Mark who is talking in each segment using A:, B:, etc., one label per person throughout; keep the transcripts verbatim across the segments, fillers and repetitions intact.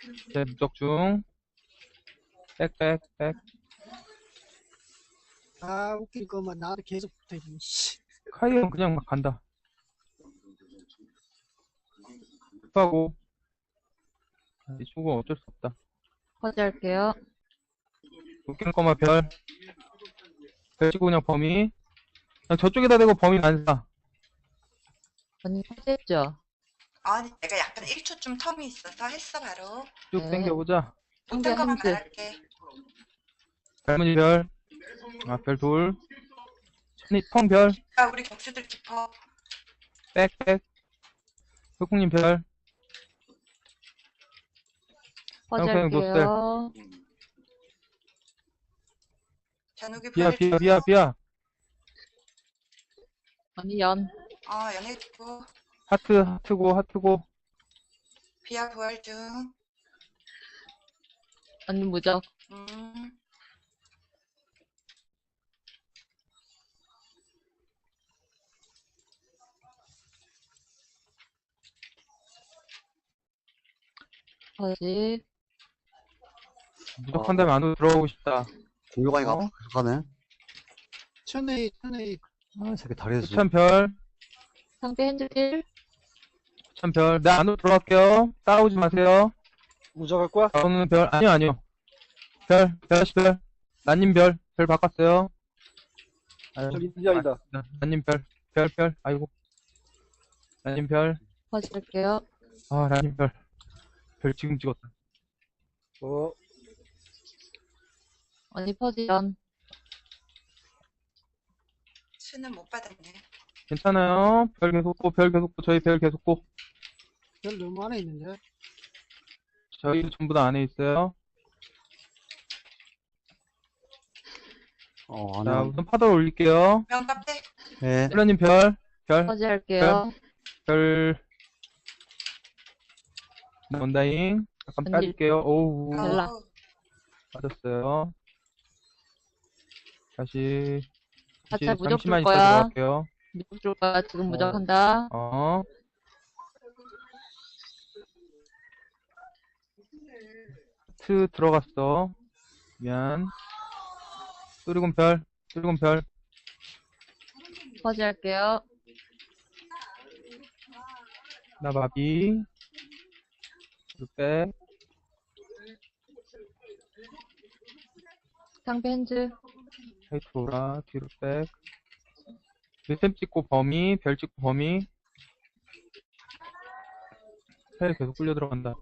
A: 제 무적 중. 백, 백, 백.
B: 아, 웃길 거만 나한테 계속 붙어있네, 씨.
A: 카이온 그냥 막 간다. 급하고. 이 친구가 어쩔 수 없다.
C: 퍼지할게요.
A: 웃기는 거만 별. 별 치고 그냥 범위. 그냥 저쪽에다 대고 범위 안 사.
C: 언니 퍼지했죠?
D: 아니, 내가 약간 일 초쯤 텀이 있어서 했어, 바로.
A: 쭉
C: 네.
A: 당겨보자.
C: 상대
D: 못한 것만
C: 핸즈.
D: 말할게.
A: 별무늬 별. 아, 별 둘. 천이, 텅 별.
D: 야, 우리 격수들 깊어.
A: 백, 백. 흑국님 별.
C: 퍼지할게요.
D: 잔욱이
A: 비야,
D: 별.
A: 비야, 비야, 비야.
C: 언니 연.
D: 어, 연해주고.
A: 하트, 하트고, 하트고.
D: 비야 부활 중.
C: 언니 무적.
D: 음.
C: 퍼지.
A: 무조건 다음에 안으로 들어가고 싶다.
E: 공격하니까
A: 어?
E: 계속하네.
B: 천에, 천에,
E: 아, 이 새끼 다리에서.
A: 후천 별.
C: 상대 핸즈 일.
A: 후천 별. 내 안으로 들어갈게요. 따라오지 마세요.
F: 무적할 거야?
A: 나오는 별. 아니요, 아니요. 별, 별씨 별. 난님 별. 별 바꿨어요. 아유,
F: 저기 인자이다.
A: 아, 난님 별. 별, 별. 아이고. 난님 별.
C: 퍼지할게요.
A: 아, 난님 별. 별 지금 찍었다.
F: 어,
C: 언니 퍼지 연.
D: 수는 못 받았네.
A: 괜찮아요. 별 계속 고, 별 계속 고, 저희 별 계속 고.
B: 별 너무 안에 있는데.
A: 저희 전부 다 안에 있어요.
E: 어, 안
A: 자,
E: 해.
A: 우선 파도를 올릴게요.
D: 명 카페.
E: 네.
A: 힐러님 별. 별.
C: 퍼지할게요.
A: 별. 원다잉. 잠깐
C: 언니.
A: 빠질게요. 오우.
C: 벨라.
D: 어우,
A: 빠졌어요. 다시. 다시
C: 가짜 무적
A: 잠시만
C: 줄
A: 있다
C: 거야.
A: 들어갈게요.
C: 무적 줄 거야. 지금 무적한다.
A: 어. 트 들어갔어. 미안. 뚜리곤 별. 뚜리곤 별.
C: 퍼지할게요.
A: 나 마비. 뒤로 빼.
C: 상대 핸즈.
A: 하이트 오라. 뒤로 빼. 밀셈 찍고 범위. 별 찍고 범위. 헬 계속 끌려 들어간다.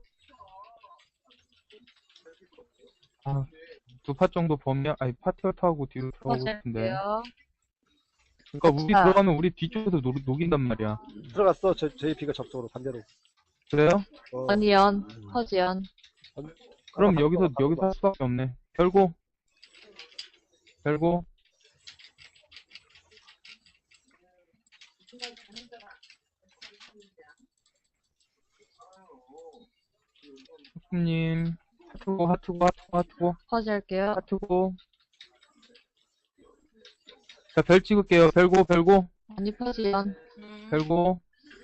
A: 아, 두 파 정도 범위, 아니, 파티어트하고 뒤로 들어가고 싶은데.
C: 퍼지할게요.
A: 그러니까 우리
C: 자.
A: 들어가면 우리 뒤쪽에서 녹, 녹인단 말이야.
F: 들어갔어. 저, 제이피가 접속으로 반대로.
A: 그래요?
F: 어,
C: 언니 연. 퍼지 연.
A: 그럼
F: 아,
A: 여기서,
F: 바꿔,
A: 여기서
F: 바꿔.
A: 할 수밖에 없네. 별고. 별고. 님 하트고, 하트고, 하트고, 하트고,
C: 퍼지할게요.
A: 하트고. 자, 별 찍을게요. 별고, 별고,
C: 언니 퍼지 연.
D: 음.
A: 별고.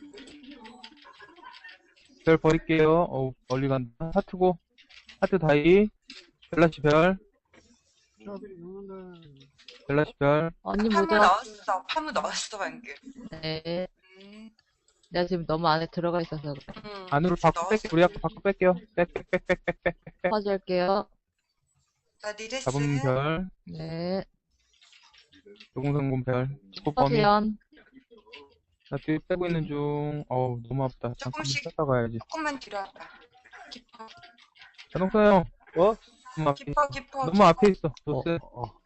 A: 별 버릴게요. 어우, 멀리 간다. 하트고. 하트 다이. 벨라시 별.
B: 조합이 너무나.
A: 벨라시 별.
C: 언니
D: 파무
C: 무적.
D: 넣었어. 파무 넣었어, 방금.
C: 네.
D: 음.
C: 내가 지금 너무 안에 들어가 있어서 그래.
D: 음.
A: 안으로 밖으로
D: 넣었어.
A: 뺄게요. 우리 아까 밖으로 뺄게요. 빽, 빽, 빽, 빽, 빽, 빽, 빽, 빽.
C: 퍼지할게요.
D: 나 니레스.
A: 잡음 별.
C: 네.
A: 요공성공 별. 치고
C: 퍼지
A: 범위.
C: 연.
A: 나 뒤에 빼고 있는 중. 어우, 너무 아프다. 잠깐만
D: 조금씩.
A: 뺐다 가야지.
D: 조금만 뒤로 와봐. 깊어.
A: 자동차 형.
F: 어?
A: 너무 앞에,
D: 깊어, 깊어.
A: 너무 앞에 있어. 노스.
E: 어, 어.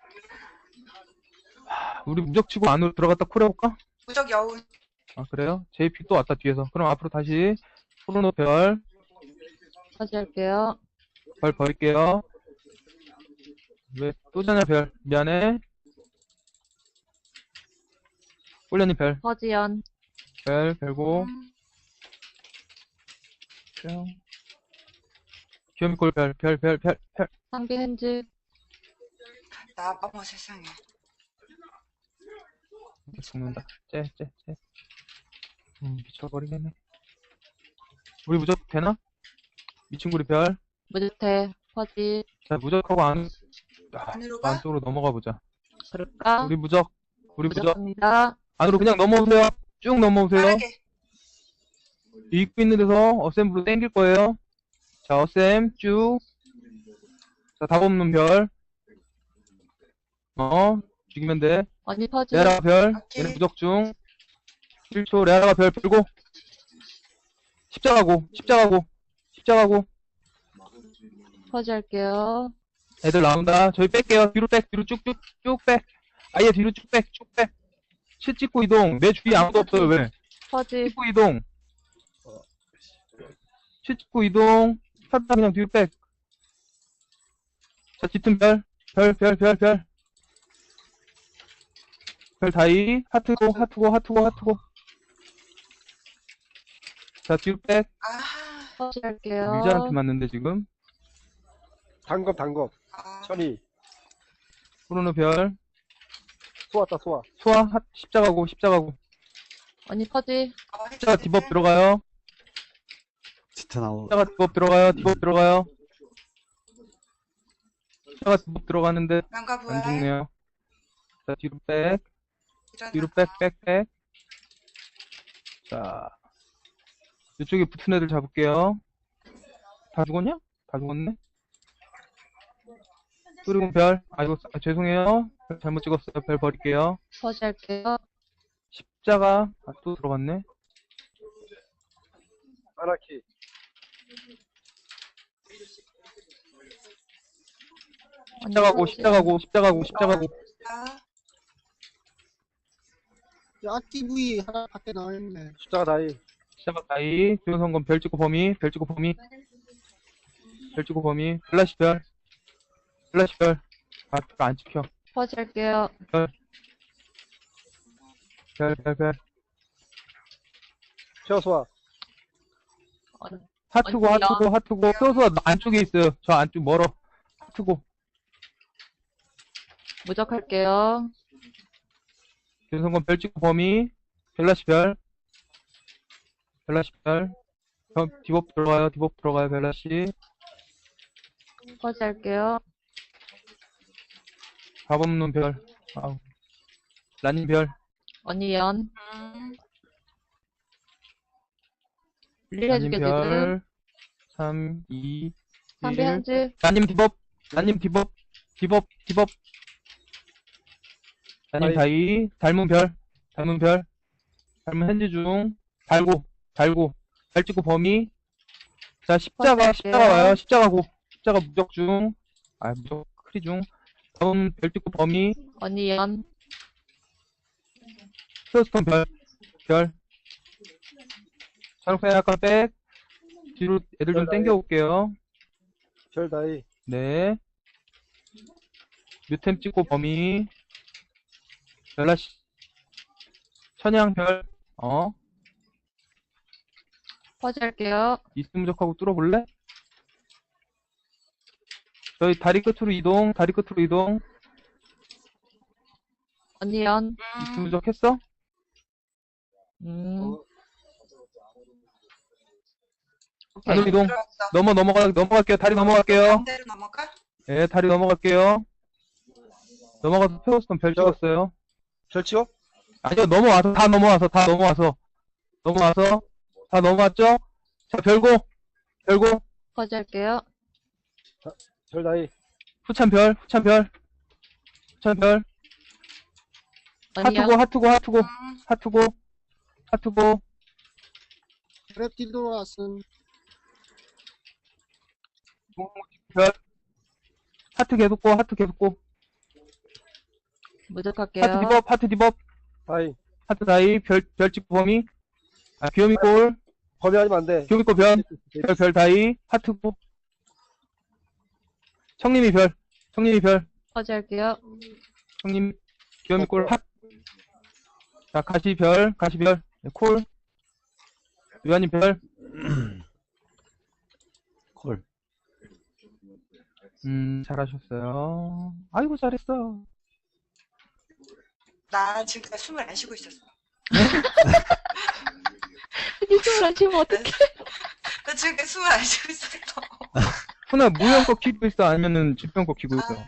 A: 우리 무적 치고 안으로 들어갔다 쿨 해볼까?
D: 무적 여운.
A: 아, 그래요? 제이피 또 왔다, 뒤에서. 그럼 앞으로 다시. 코로노 별.
C: 퍼지할게요.
A: 별 버릴게요. 왜, 또 자냐, 별. 미안해. 꿀련이 별.
C: 퍼지 연.
A: 별, 별고.
D: 음.
A: 뿅. 귀요미골 별, 별, 별, 별, 별.
C: 상대 핸즈.
D: 나, 어머 세상에.
A: 죽는다. 째, 째, 째. 음, 미쳐버리겠네. 우리 무적 되나? 미친구리 별.
C: 무주택, 퍼지.
A: 자, 무적하고 안, 아,
D: 안으로 가?
A: 안쪽으로 넘어가 보자.
C: 그럴까?
A: 우리 무적, 우리 무적.
C: 무적합니다.
A: 안으로 그냥 넘어오세요. 쭉 넘어오세요.
D: 빠르게.
A: 입구 있는 데서 어셈으로 땡길 거예요. 자, 어셈, 쭉. 자, 답 없는 별. 어, 죽이면 돼.
C: 언니 퍼지.
A: 레아라가 별.
D: 오케이.
A: 얘는 무적 중. 일 초, 레아라가 별 풀고. 십자가고, 십자가고, 십자가고.
C: 퍼지 할게요.
A: 애들 나온다. 저희 뺄게요. 뒤로 백, 뒤로 쭉쭉, 쭉 백. 아예 뒤로 쭉 백, 쭉 백. 실 찍고 이동. 내 주위에 아무도 없어요, 왜?
C: 퍼지.
A: 찍고 이동. 실 찍고 이동. 하다 그냥 뒤로 백. 자, 짙은 별. 별, 별, 별, 별. 별 다이. 하트고, 하트고, 하트고, 하트고. 자, 뒤로 백.
D: 아,
C: 퍼지 할게요.
A: 밀자한테 맞는데, 지금.
F: 단검, 단검.
D: 아,
F: 천이.
A: 프로노 별.
F: 소왔다, 소화.
A: 소화, 하, 십자가고, 십자가고.
C: 언니 퍼지.
D: 어,
A: 십자가
D: 해주세요.
A: 디법 들어가요.
E: 진짜 나오.
A: 십자가 디법 들어가요. 디법 들어가요. 십자가 디법 들어가는데,
D: 난가
A: 안
D: 부활.
A: 죽네요. 자, 뒤로 백.
D: 일어나.
A: 뒤로 백, 백, 백. 자. 이쪽에 붙은 애들 잡을게요. 다 죽었냐? 다 죽었네? 뚜리공 별. 아이고, 아, 죄송해요. 별 잘못 찍었어요. 별 버릴게요.
C: 퍼지 할게요.
A: 십자가. 아, 또 들어갔네.
F: 아나키.
C: 언니
A: 십자가고,
C: 퍼지.
A: 십자가고, 십자가고, 십자가고.
D: 아,
B: 야, 티브이 하나 밖에 나와있네.
F: 십자가 다이.
A: 십자가 다이. 조선건 별 찍고 범위. 별 찍고 범위. 별 찍고 범위. 플라시 별. 플라시 별. 아, 안 찍혀.
C: 퍼지 할게요.
A: 별, 별, 별.
F: 쉐어 소화.
C: 언니,
A: 하트고,
C: 언니요?
A: 하트고, 하트고. 소수가 안쪽에 있어요. 저 안쪽 멀어. 하트고.
C: 무적 할게요.
A: 윤성건 별 찍고 범위. 벨라시 별. 벨라시 별. 저 디법 들어가요. 디법 들어가요. 벨라시.
C: 퍼지 할게요.
A: 밥 없는 별. 아우. 라님 별.
C: 언니 연.
D: 음,
C: 릴
A: 라님
C: 해줄게 지금.
A: 별. 삼, 이,
C: 삼비
A: 일.
C: 한지.
A: 라님 디법. 라님 디법. 디법, 디법. 라님 다이. 닮은 별. 닮은 별. 닮은 핸즈 중. 달고. 달고. 별 찍고 범위. 자, 십자가,
C: 퍼즐게요.
A: 십자가 와요. 십자가고. 십자가 무적 중. 아, 무적 크리 중. 다음 별 찍고 범위.
C: 언니 연.
A: 스톤 별. 별. 자동차 약간 백. 뒤로 애들 좀 땡겨 올게요.
F: 별 다이.
A: 네. 뮤템 찍고 범위. 벨라시. 천양 별. 어.
C: 퍼지 할게요.
A: 이스무적하고 뚫어볼래? 저희 다리 끝으로 이동. 다리 끝으로 이동.
C: 언니 연.
D: 음,
A: 이스무적 했어?
C: 음.
A: 안으로
C: 오케이.
A: 이동.
D: 들어왔어.
A: 넘어 넘어가 넘어갈게요. 다리 넘어갈게요.
D: 반대로 넘어가?
A: 예, 다리 넘어갈게요. 넘어가서 페어스톤 별 찍었어요.
F: 별 치워?
A: 아니요, 넘어와서, 다 넘어와서, 다 넘어와서. 넘어와서, 다 넘어왔죠? 자, 별고, 별고,
C: 퍼지 할게요.
F: 별 다이.
A: 후찬 별, 후찬 별, 후찬 별,
C: 언니
A: 하트고,
C: 연.
A: 하트고, 하트고,
D: 음,
A: 하트고, 하트고,
B: 그랩 들어왔음.
A: 별, 하트 계속 고, 하트 계속 고,
C: 무적 할게요.
A: 하트 디법, 하트 디법,
F: 다이.
A: 하트 다이, 별, 별 찍고 범위, 아, 귀요미 골,
F: 범위 아니면 안 돼.
A: 귀요미 골 별, 별, 별 다이, 하트고, 청님이 별, 청님이 별,
C: 퍼지 할게요.
A: 형님, 귀요미 골, 핫. 자, 가시 별, 가시 별, 네, 콜. 유한님 별.
E: 콜.
A: 음, 잘하셨어요. 아이고, 잘했어.
D: 나 지금까지 숨을 안 쉬고 있었어.
C: 언니 숨을 안 쉬면 어떡해.
D: 나 지금 숨을 안 쉬고 있었어.
A: 훈아, 무형 거 키고 있어? 아니면은 지평 거 키고 있어?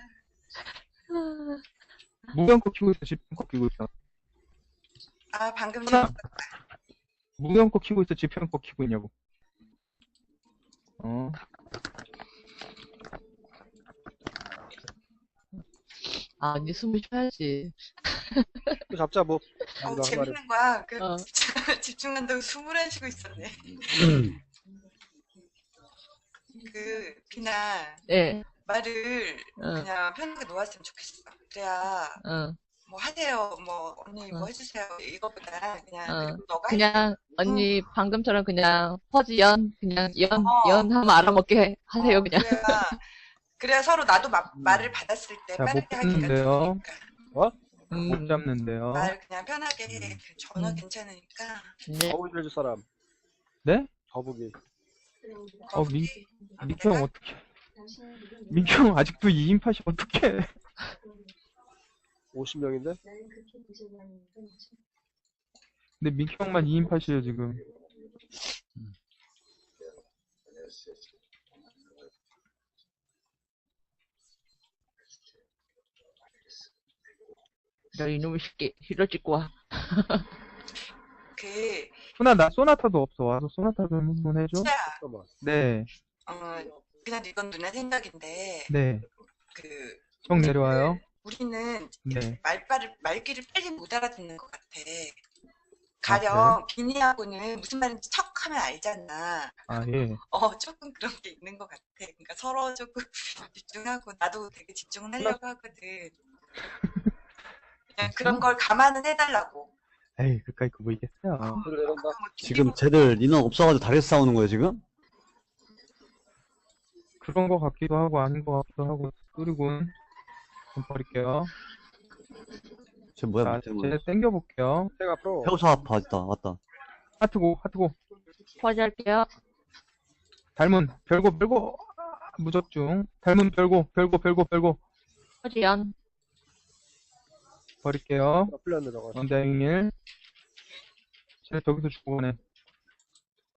A: 무형 거 키고 있어? 지평 거 키고 있어?
D: 아, 방금
A: 하나.
D: 전
A: 무형 거 키고 있어? 지평 거 키고 있냐고. 어.
C: 아, 언니 숨을 쉬어야지.
F: 잡자, 뭐.
D: 어,
F: 우리가
D: 재밌는 거야. 그,
C: 어.
D: 집중한다고 숨을 안 쉬고 있었네. 그, 그냥,
C: 네,
D: 말을
C: 응,
D: 그냥 편하게 놓았으면 좋겠어. 그래야,
C: 응,
D: 뭐 하세요, 뭐, 언니 뭐
C: 응.
D: 해주세요. 이거보다 그냥,
C: 응.
D: 그리고 너가
C: 그냥, 언니, 방금처럼 그냥, 퍼지 연, 그냥, 연,
D: 어.
C: 연 하면 알아먹게 하세요,
D: 어,
C: 그냥.
D: 그래야, 그래야 서로 나도 마, 말을 받았을 때
A: 자,
D: 빠르게
A: 못
D: 하기가
A: 붙는데요.
D: 좋으니까.
C: 음,
A: 못 잡는데요.
D: 말 그냥 편하게 해. 그 전화
C: 음.
D: 괜찮으니까.
C: 네.
F: 거북이 해줄 사람.
A: 네?
F: 거북이.
A: 어, 민,
D: 거북이.
A: 민규 형 어떡해. 민규 형 아직도 이 인팟이 어떡해.
F: 오십 명인데?
A: 근데 민규 형만 이 인팟이에요, 지금.
C: 야, 이놈의 새끼, 힐러 찍고 와.
D: 그,
A: 훈아, 나 소나타도 없어. 와서 소나타 좀 한번 해줘.
D: 진짜,
F: 잠깐만.
A: 네,
D: 어, 그냥 이건 누나 생각인데,
A: 네.
D: 그,
A: 형 내려와요.
D: 우리는
A: 네.
D: 말빨을, 말귀를 빨리 못 알아듣는 것 같아.
A: 아,
D: 가령, 비니하고는 무슨 말인지 척 하면 알잖아.
A: 아, 예.
D: 어, 조금 그런 게 있는 것 같아. 그러니까 서로 조금 집중하고, 나도 되게 집중을 하려고 하거든. 그냥 그런 걸 감안은 해달라고.
A: 에이, 그까이 그 보이겠어요.
F: 그래, 내려온다.
D: 뭐
E: 지금 쟤들 인원 없어가지고 다리에서 싸우는 거예요, 지금?
A: 그런 거 같기도 하고, 아닌 거 같기도 하고, 뚜리군. 좀 버릴게요.
E: 쟤 뭐야,
A: 자,
E: 밑에 뭐.
A: 쟤 땡겨볼게요.
F: 생 앞으로.
E: 해우사 아파, 왔다, 왔다.
A: 하트고, 하트고.
C: 퍼지 할게요.
A: 닮은, 별고, 별고. 무적중. 닮은 별고, 별고, 별고, 별고.
C: 퍼지 연.
A: 버릴게요.
F: 나 풀렸네, 저거.
A: 원자행일. 쟤 저기서 죽어네.